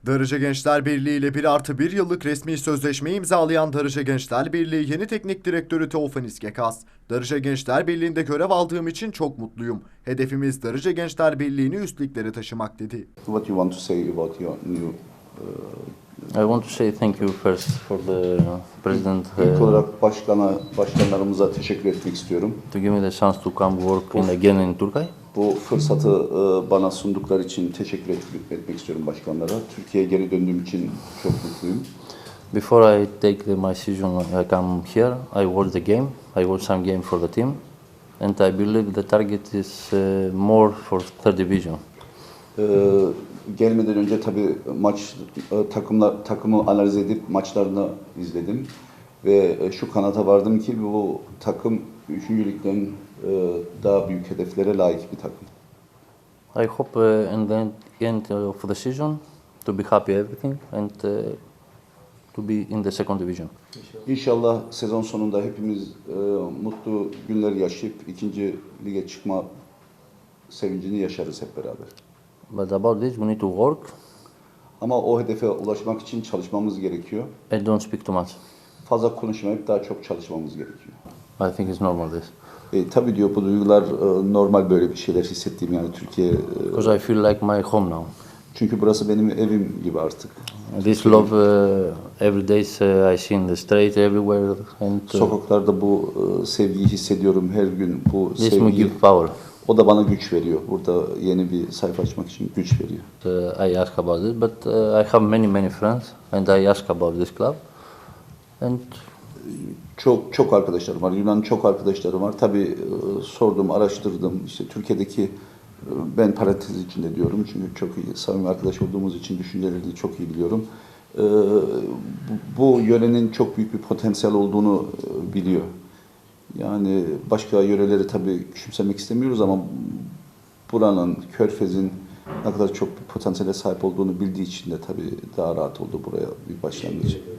Darıca Gençler Birliği ile 1+1 yıllık resmi sözleşme imzalayan Darıca Gençler Birliği yeni teknik direktörü Teofanis Gekas, "Darıca Gençler Birliği'nde görev aldığım için çok mutluyum. Hedefimiz Darıca Gençler Birliği'ni üst liglere taşımak" dedi. What you want to say about your new I want to say thank you first for the president İlk olarak başkanlarımıza teşekkür etmek istiyorum. to give me the chance to come work again in Turkey. Bu fırsatı bana sundukları için teşekkür etmek istiyorum başkanlara. Türkiye'ye geri döndüğüm için çok mutluyum. Before I take my decision, I come here. I watch the game. I watch some game for the team, and I believe the target is more for third division. Gelmeden önce tabii takımı analiz edip maçlarını izledim ve şu kanata vardım ki bu takım 3. ligden daha büyük hedeflere layık bir takım. I hope in the end of the season to be happy everything and to be in the second division. İnşallah sezon sonunda hepimiz mutlu günler yaşayıp 2. lige çıkma sevincini yaşarız hep beraber. But about this, we need to work Ama o hedefe ulaşmak için çalışmamız gerekiyor. and don't speak too much. Fazla konuşmayıp daha çok çalışmamız gerekiyor. I think it's normal this. Tabii diyor bu duygular normal böyle bir şeyler hissettiğim yani Türkiye. Because I feel like my home now. Çünkü burası benim evim gibi artık. This love every day I see in the street everywhere and Sokaklarda bu sevgiyi hissediyorum her gün. Bu this me sevgi give power. o da bana güç veriyor. Burada yeni bir sayfa açmak için güç veriyor. I ask about it, but I have many friends and I ask about this club and Çok arkadaşlarım var. Yunan çok arkadaşlarım var. Tabii sordum, araştırdım. İşte Türkiye'deki ben parantez içinde diyorum çünkü çok iyi samimi arkadaş olduğumuz için düşüncelerini çok iyi biliyorum. Bu yörenin çok büyük bir potansiyel olduğunu biliyor. Yani başka yöreleri tabii küçümsemek istemiyoruz ama buranın, Körfez'in ne kadar çok bir potansiyele sahip olduğunu bildiği için de tabii daha rahat oldu buraya bir başlangıç.